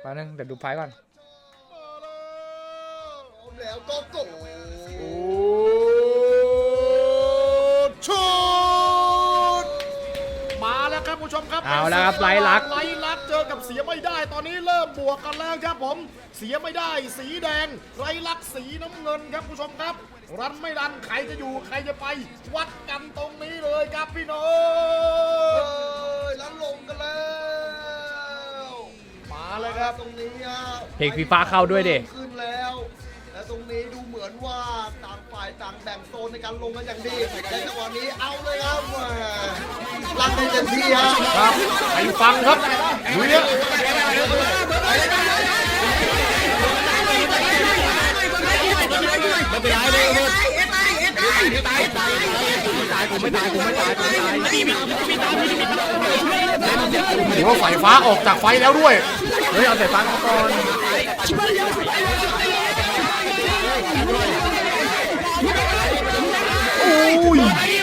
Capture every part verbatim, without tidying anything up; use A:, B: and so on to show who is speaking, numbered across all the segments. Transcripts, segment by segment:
A: แป๊บนึงเดี๋ยวดูไฟก่อน
B: แล้วก็กด
C: ชุดมาแล้วครับผู้ชมครับ
A: เอาแล้วครับไล่ลัก
C: ไล่ลักเจอกับเสียไม่ได้ตอนนี้เริ่มบวกกันแล้วครับผมเสียไม่ได้สีแดงไล่ลักสีน้ำเงินครับผู้ชมครับรันไม่รันใครจะอยู่ใครจะไปวัดกันตรงนี้เลยครับพี่น้องแล้วลงกันแล้วมาเลยครับตรงนี้ฮะ
A: เพลงฟีฟ่าเข้าด้วยดิ
B: ขึ้นแล้วและตรงนี้ดูเหมือนว่าต่างฝ่ายต่างแบ่งโซนในการลงกันอย่างดีในจังหวะนี้เอาเลยครับรันได้เต็มที่ฮะ
C: ครับไปฟังครับดูเนี่ยไม่เป็นไรเลยตายตายตายกูไม่ตายกูไม่ตายกูไม่ตายหรือว่าไฟฟ้าออกจากไฟแล้วด้วยเฮ้ยเอาแต่ฟังก่อนโอ้ย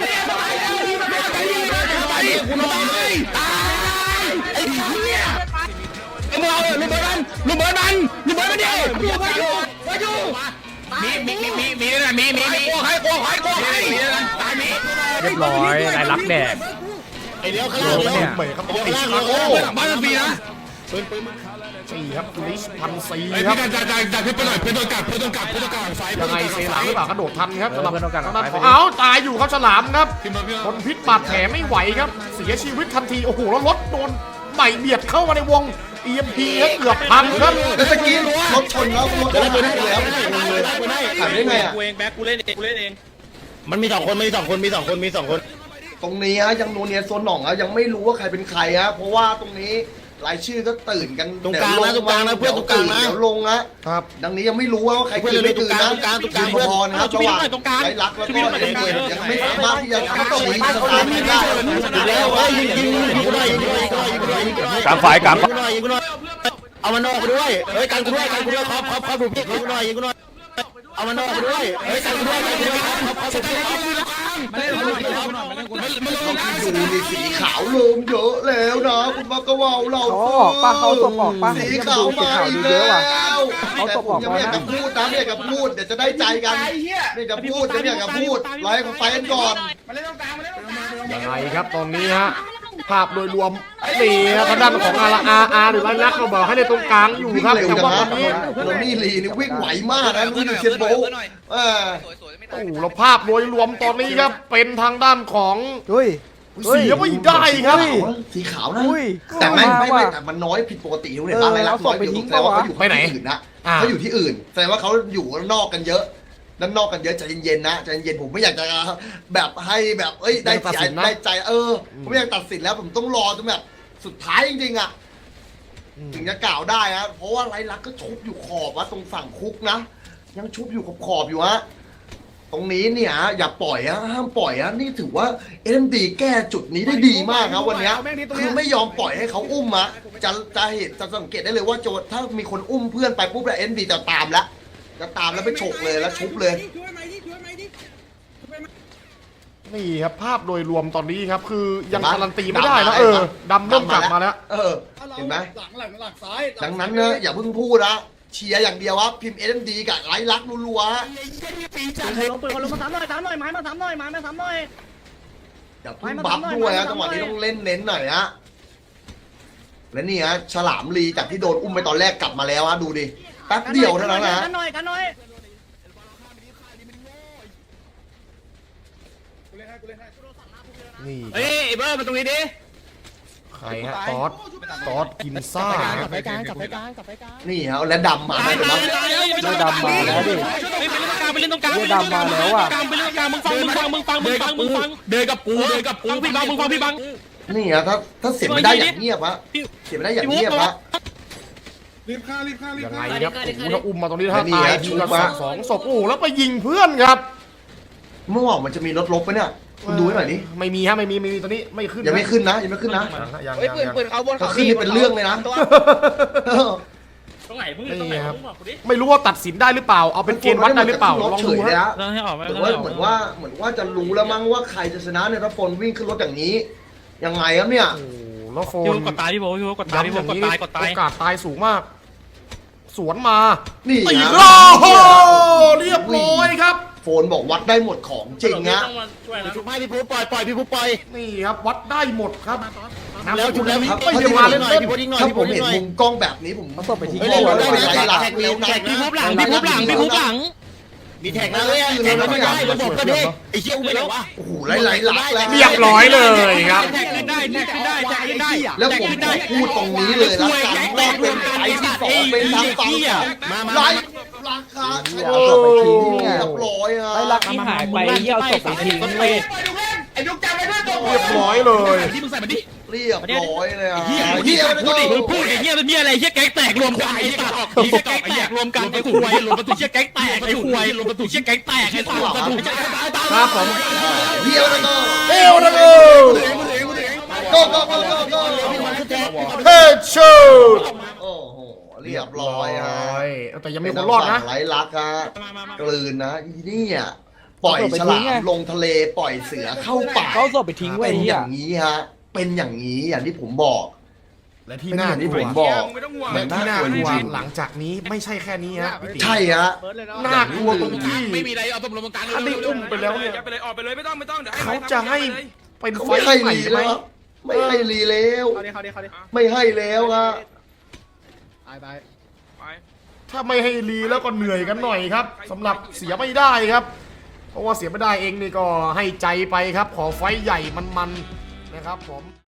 D: ไอ้โมเอาลูกเบิร์ดมันลูกเบิร์ดมันลูกเบิร์ดมันดิไปอยู่ไปอยู่ไปอยู่มีมีมีมีมีนะมีมีมีโก้ให้โก้ให้โก้ให้ตายมี
A: เรียบร้อยไล่ลักแดก
D: ไอเดียวข้าง
A: โด
D: ล่าง
A: นปะเนี่ย
C: เหมยครับต้องติด
D: ข้าง
C: คา
D: ล่าง
C: โก้
D: โอ้บ้านมันปีนะปืนปืน
C: สี่ครับกุลิชพันสี่
D: ไอ้
C: ครับ
D: พี่จ่ายจ่ายจ่ายพี่ไปหน่อยเพื่อนโดนกัดเพื่อนโดนกัดเพื่อนโดนกัดไฟ
C: ยังไงเซหลังหรือเปล่ากระโดดทันครับ
A: เออเพื่อนต้องการ
C: ทางด้าน
A: ไป
C: ของ
A: ไปดิ
C: เอาตายอยู่ครับฉลามครับ
D: พี่มาพี่
C: ทนพิษบาดแผลไม่ไหวครับเสียชีวิตทันทีโอ้โหแล้วรถโดนใหม่เบียดเข้ามาในวง อี เอ็ม พี ครับเกือบพังครับ
B: แล้วตะกี้รถชนแล้วรถหายไปแล้วหายไปได้ไงอ่ะ
E: กูเองแบ็คกูเล่นเองกูเล่นเอง
D: มันมีสองคนมีสองคนมีสองคนมีสองคน
B: ตรงนี้ฮะยังโนเนียโซนหน่องฮะยังไม่รู้ว่าใครเป็นใครฮะเพราะว่าตรงนี้รายชื่อก็ตื่นกัน
D: ตรงกลางนะตรงกลางนะเพื่อนตรงกลางนะ
B: เดี๋ยวลงนะครับ ดังนี้ยังไม่รู้ว่าใคร
D: เพื่อน
B: ตื่นไม่ตื่นนะ
D: ตรงกลางตรงกลาง
B: ยืนพอนะครับระหว่างไรลักแล้วก็เอ็มเอ็มยังไม่สามารถที่จะทำชี้สตาร์ทได้
D: อยู่แล้วเฮ้ยยิงยิงยิงกูหน่อยยิงกูหน่อยยิงกูหน่อยยิงกูหน่อยยิงกูหน่อย
A: กลางฝ่ายกลาง
D: ยิงกูหน่อยยิงกูหน่อยเอามันนอกไปด้วยเฮ้ยกันกูด้วยกันกูด้วยครับครับครับดูพี่ยิงกูหน่อยยิงกูหน่อยเอามันนอกไปด้วยเฮ้ยกันกูด้วยกันกูด้วยครับครับครับ
B: ดูนี่สีขาวเริ่มเยอะแล้วนะคุณมักกะว่าวเรา
F: เขาออกป่ะเขาตบออกป่ะ
B: สีขาวมาอีกแล้วแต่ผมยังไม่อยากจะพูดนะไม่อยากจะพูดเดี๋ยวจะได้ใจกันไม่อยากจะพูดไม่อยากจะพูดไล่ของไฟกันก่อน
C: ยังไงครับตอนนี้ฮะภาพโดยรวมนี่ครับทางด้านของอาร์อาร์อาร์หรือไรลักเราบอกให้ในตรงกลางอยู่
B: วิ่ง
C: ครับ
B: เร็ว
C: แต่
B: จัง
C: ว่า
B: นะ
C: ตอนนี้
B: โรนี่ลีนี่วิ่งไหวมากนะวิ่งอยู่เชียนโบว์เออ
C: โอ้โหแล้วภาพโดยรวมตอนนี้ครับเป็นทางด้านของ
F: อุ้ย
C: เสียไม่ได้ครับ
B: สีขาวนะ
F: อุ้ย
B: แต่ไม่ไม่
F: ว่ะ
B: ไม่แต่มันน้อยผิดปกติทุกเนี่ยบ้านไรลักน้อยอยู่แสดงว่าเขาอยู่ที่อื่นนะเขาอยู่ที่อื่นแสดงว่าเขาอยู่นอกกันเยอะด้านนอกกันเยอะใจเย็นๆนะใจเย็นผมไม่อยากจะแบบให้แบบเอ้ยได้ใจได้ใจเออผมไม่อยากตัดสินแล้วผมต้องรอจนแบบสุดท้ายจริงๆอ่ะถึงจะกล่าวได้ฮะเพราะว่าไรลักก็ชุบอยู่ขอบวะตรงฝั่งคุกนะยังชุบอยู่ขอบขอบอยู่ฮะตรงนี้เนี่ยอย่าปล่อยฮะห้ามปล่อยฮะนี่ถือว่าเอ็มดีแก้จุดนี้ได้ดีมากครับวันนี้คือไม่ยอมปล่อยให้เขาอุ้มอะจะจะเห็นจะสังเกตได้เลยว่าโจถ้ามีคนอุ้มเพื่อนไปปุ๊บแล้วเอ็มดีจะตามแล้วจะตามแล้วไปฉกเลยแล้วชุบเลย
C: นี่ครับภาพโดยรวมตอนนี้ครับคือยังการันตีไม่ได้นะเออดำเริ่มกลับมาแล้ว
B: เออเห็นไหม
E: หลังหลังหลังซ้าย
B: ดังนั้นเนอะอย่าเพิ่งพูดนะเชียร์อย่างเดียวว่าพิมพ์เอ็มดีกับไร้รักรัวๆฮะ
E: ลงปืนคนลงมาสามหน่อยสามหน่อยไม้มาสามหน่อยไม้มาสามหน่อย
B: อย่าเพิ่งบัฟด้วยฮะจังหวะนี้ต้องเล่นเน้นหน่อยฮะและนี่ฮะฉลามลีจากที่โดนอุ้มไปตอนแรกกลับมาแล้วฮะดูดิแป๊บเดียวเท่านั้นนะ
E: กันหน่อยกันหน่อย
C: นี่
D: เฮ้ยเบอร์มาตรงนี้ดิ
C: ใครฮะตอสตอสกินซ่า
F: กลับไปกลางกลับไปกลางกลับไปกลาง
B: นี่ฮะและดำมาได้ไหม
F: เสื้อดำมาแล้วดิ
E: ไปเล่นตรงกลาง
F: เสื้อดำมาแล้วอ่ะ
E: ไปเล่นตรงกลางมึงฟังมึงฟังมึงฟังมึงฟังมึงฟัง
D: เดินกับกูเดินกับกู
E: พี่บังมึงฟังพี่บัง
B: นี่ฮะถ้าถ้าเสียไม่ได้อย่างเงียบฮะเสียไม่ได้อย่างเงียบฮะ
C: ยังไงครับโอ้โหถ้าอุ้มมาตรงนี้ถ้า
B: นี่
C: ตาย
B: ฮะ
C: ที
B: ชุ
C: ละ
B: บมา
C: สองศพโอ้โหแล้วไปยิงเพื่อนครับ
B: เมื่อวานมันจะมีรถลบปะเนี่ยคุณดูให้หน่อยดิ
C: ไม่มีฮะไม่มีไม่มีตอนนี้ไม่ขึ้น
B: ยังไม่ขึ้นนะยังไม่ขึ้นนะ
C: ยัง
E: เฮ้ย
C: ยัง
E: ปืน
C: ยัง
E: ปืนเขาบน
B: ถ้า
E: เขา
B: ขึ้นนี่เป็นเรื่องเลยนะ
E: ตรงไหนมึงตรงไหนมึงบอกกูดิ
C: ไม่รู้ว่าตัดสินได้หรือเปล่าเอาเป็นเกณฑ์วัดได้หรือเปล่าลองดู
B: เฉยเลย
C: ฮะ
B: ฮะ
E: เรื่องให้ออกไหม
B: เหมือนว่าเหมือนว่าเหมือนว่าจะรู้แล้วมั้งว่าใครจะชนะเนี่ยถ้าฝนวิ่งขึ้นรถอย่างนี้ยังไงครับเนี่ย
C: โอ้โหแล้วโฟ
E: พี่
C: น
E: กดตายพี่โบพี่โบกดตาย
C: ย้ำ
E: พี่
C: อ
E: โบ
C: ย่าง
E: กด
C: นี้
E: ตายกดตาย
C: โอกาสตายสูงมากสวนมา
B: นี่
C: ตี
B: ฮะ
C: โอ้โหเรียบร้อยครับ
B: โฟนบอกวัดได้หมดของจริงฮะ
D: ชุบให้พี่พูปล่อยปล่อยพี่พูปล่อย
C: นี่ครับวัดได้หมดครับ
D: แล้วชุบแล้วพี่
C: ไม่จะมาเล่น
D: หน่อย
C: เล่น
D: พี่พูดยิงหน่อย
B: ถ้า
D: พี่
B: ผ
D: พู
B: ม
D: ดยิ
B: เห็
D: ง
B: น
D: หน่อย
B: มุมกล้องแบบนี้ผม
F: เอาศพไปทิ้ง
B: ไม่
F: ไว้
B: ได้
F: เล
B: เลย ย
F: นะ
B: ไหลหลังแล้วนะ
D: พี่พูดหลังพี่พูดหลังพี่พูดหลังมีแท็กนะเลยแท็กแล้วไม่ได้ระบบก็ดีไอ้เชี่ยกูไปไหนวะ
B: โอ้โหไหลไหลหลักแล้ว
C: เรียบร้อยเลยครับ
D: แท็กขึ้นได้แท็กขึ้นได้แท็กขึ้นได้
B: แล้วผมขอพูดตรงนี้เลยละกันว่าเป็นไฟที่สองเป็นทั้งฝั่งของไลฟ์ราคา
F: เอาศพไปทิ้งเนี่ย
B: เรียบร้อยอ่ะ
F: ไอ้รักที่หายไปเยี่ยวศพไปทิ้งเว้ย
D: ไอ้ลูกจับไปด้วยตัว
C: เรียบร้อยเลย
D: ที่มึงใส่มันดิ
B: เรียบร้อยเลยอ่ะ
D: เฮีย
B: เฮีย
D: พูดดิพูดดิเฮียเป็นเฮียอะไรเฮียแก๊งแตกรวมกันไอ้สัตว์เฮียแก๊งแตกรวมกันไอ้ควายรวมประตูเฮียแก๊งแตกไอ้ควายรวมประตูเฮียแก๊งแตกไอ้สัตว์ประตู
C: ครับผม
B: เฮียแล้วก็
C: เอวนะกู
B: ก็ก็ก็ก็ก็
C: เฮ้ยชูด
B: โอ้โหเรียบร้อยฮะ
C: แต่ยังมีคนรอดนะ
B: ไหลลักฮะกลืนนะอีนี่อ่ะปล่อยฉลามลงทะเลปล่อยเสือเข้าป่า
F: เขาศพไปทิ้งไว้
B: เป็น
F: เฮี
B: อย ย่างนี้ฮะ เป็นอย่างนี้อย่างที่ผมบอก
C: และที่
B: เป็น
C: น่า
B: อย่างที่
C: ก
B: ผ
C: ลัว
B: มบอก
C: และที่น่ากลัวหลังจากนี้ไม่ใช่แค่นี้ฮะพี่ติ๋ม
B: ใช่ฮะ
C: น่ากลัวตรงที่
D: ไม่มีอะไรเอาตบลงกลาง
C: ถ้าได้อุ้มไปแล้วเนี่ย
G: ไปเลยออกไปเลยไม่ต้องไม่ต้องเดี๋ยว
C: เขาจะให้เป็น
B: เขา
C: ไฟ
B: ไม่ให้
C: ใหม่
B: รี
C: ไหม
B: แล้วครับไม่ให้รีแล้ว
E: เขาดิเขาดิเขาดิ
B: ไม่ให้แล้วฮะ
E: ตายตาย
G: ไป
C: ถ้าไม่ให้รีแล้วก็เหนื่อยกันหน่อยครับสำหรับเสียไม่ได้ครับ เพราะว่าเสียไม่ได้เองนี่ก็ให้ใจไปครับ ขอไฟท์ใหญ่มันๆนะครับผม